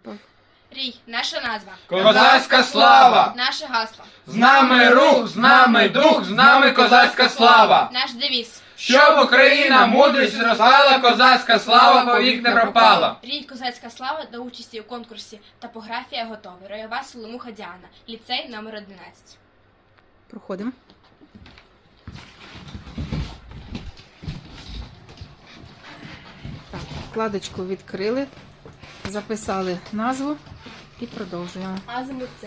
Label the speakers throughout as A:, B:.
A: Рій, наша назва.
B: Козацька слава!
A: Наше гасло.
B: З нами рух, з нами дух, з нами козацька слава!
A: Наш девіз.
B: Щоб Україна мудрість зростала, козацька слава повік не пропала.
A: Рій, козацька слава до участі у конкурсі «Топографія готова». Ройова Соломуха Діана. Ліцей номер 11.
C: Проходимо. Так, вкладочку відкрили, записали назву і продовжуємо.
A: Азимут Це.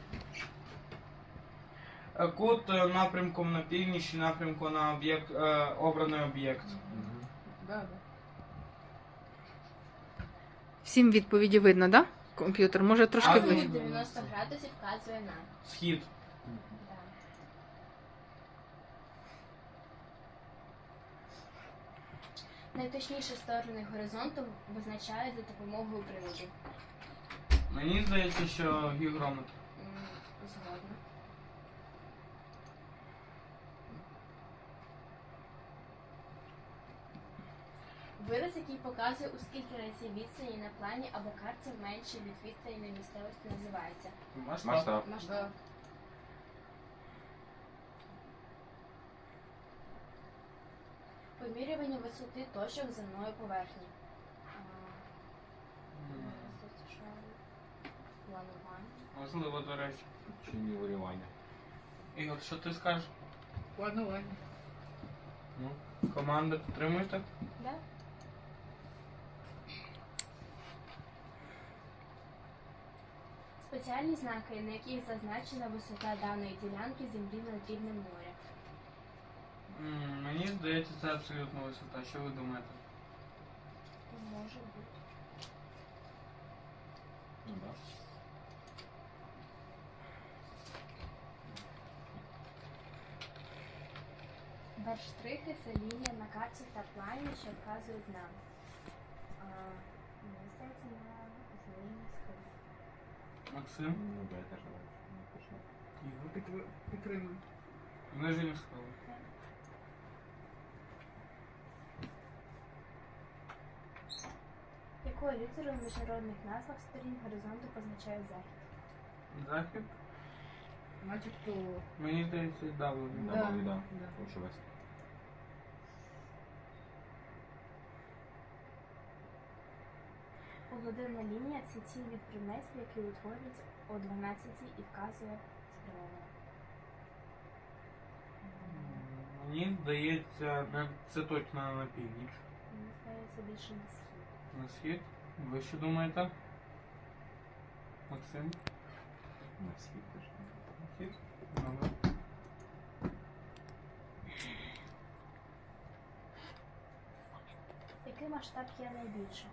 B: Кут напрямком на північ, напрямку на об'єкт, обраний об'єкт.
C: Всім відповіді видно, так? Да? Комп'ютер може трошки
B: Азимут
C: ближче.
A: 90 градусів вказує на.
B: Схід.
A: Найточніші сторони горизонту визначають за допомогою приладів.
B: Мені здається, що гігрометр.
A: Згодна. Вираз, який показує, у скільки разів відстані на плані або карті менше від відстані на місцевості, називається
B: Масштаб.
A: масштаб. Вимірювання висоти точок земної поверхні. Планування.
B: Можливо, до речі.
D: Чи нівелювання?
B: Ігор, що ти скажеш?
E: Планування.
B: Ну, команда підтримуєте?
A: Да? Спеціальні знаки, на яких зазначена висота даної ділянки землі над рівнем моря.
B: Мені здається, це абсолютно висота. Що ви думаєте?
A: Може бути.
D: Ну так.
A: Берштрихи – це лінія на карті та плані, що вказують нам. Мені здається, на зміні схил.
B: Максим?
D: Ну да, я теж не точно.
B: Ігор?
E: Підтримую.
B: Знижені схили.
A: Якою літерою в міжнародних назвах сторін горизонту позначає захід?
B: Захід?
E: Начебто.
B: Мені здається, W.
E: Да.
D: Да, да.
E: Да.
D: Прошу вести.
A: Погодинна лінія – це ті від предметів, які утворюються о 12 і вказує спрямовано.
B: Мені здається, це точно на північ.
A: Мені здається, більше на схід.
B: На схід? Ви що думаєте? Максим?
D: На схід теж.
B: На схід? Добре.
A: Який масштаб є найбільшим?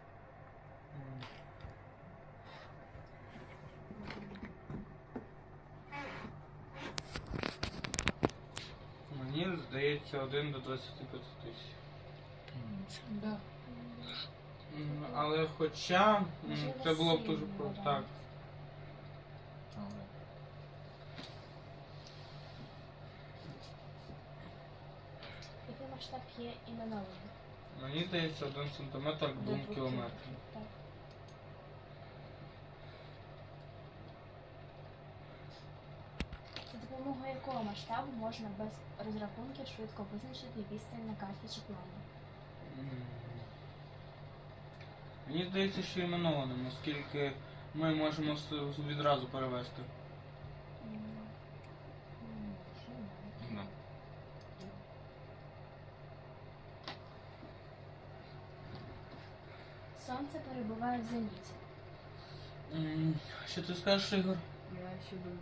B: Мені здається 1 до 25 тисяч.
E: Да.
B: Але хоча
A: Можливо,
B: це було б
A: сім
B: дуже
A: варіант.
B: так.
D: Але.
A: Який масштаб є іменованим?
B: Мені здається 1 сантиметр 2 кілометрів.
A: Так. За допомогою якого масштабу можна без розрахунків швидко визначити відстань на карті чи плані?
B: Мені здається, що іменованим, оскільки ми можемо відразу перевести.
D: Ну.
A: Сонце перебуває в зеніті.
B: Що ти скажеш, Ігор?
E: Я ще думаю.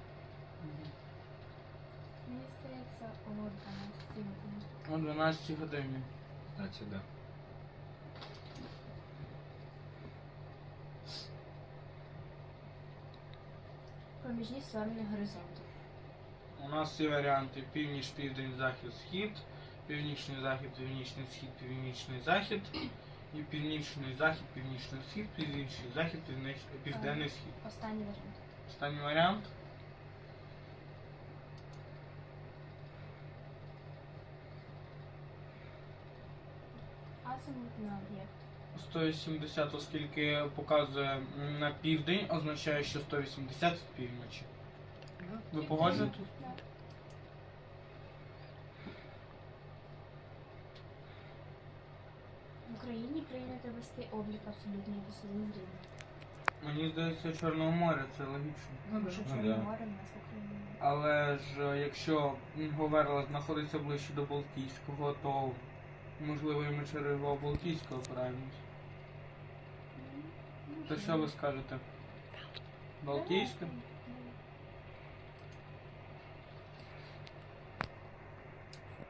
A: Мені здається, о 12 годині.
B: О 12 годині.
D: Значить, да.
A: Проміжні сторони горизонту.
B: У нас є варіанти північ, південь, захід, схід, північний захід, північний схід, північний захід, і північний захід, північний схід, північний захід, південний схід.
A: Останній варіант.
B: Останній варіант.
A: Азимут на об'єкт.
B: 180, оскільки показує на південь, означає, що 180 в півночі.
E: Да.
B: Ви погоджуєтесь?
A: Да. В Україні прийнято вести облік абсолютної висоти зрівня.
B: Мені здається, Чорного моря, це логічно.
E: Ну, да.
A: Що
D: Ну,
A: Чорне
D: да.
A: море в нас в Україні.
B: Але ж якщо Говерла знаходиться ближче до Балтійського, то можливо і ми через його Балтійського опираємось. То що ви скажете? Балтійське?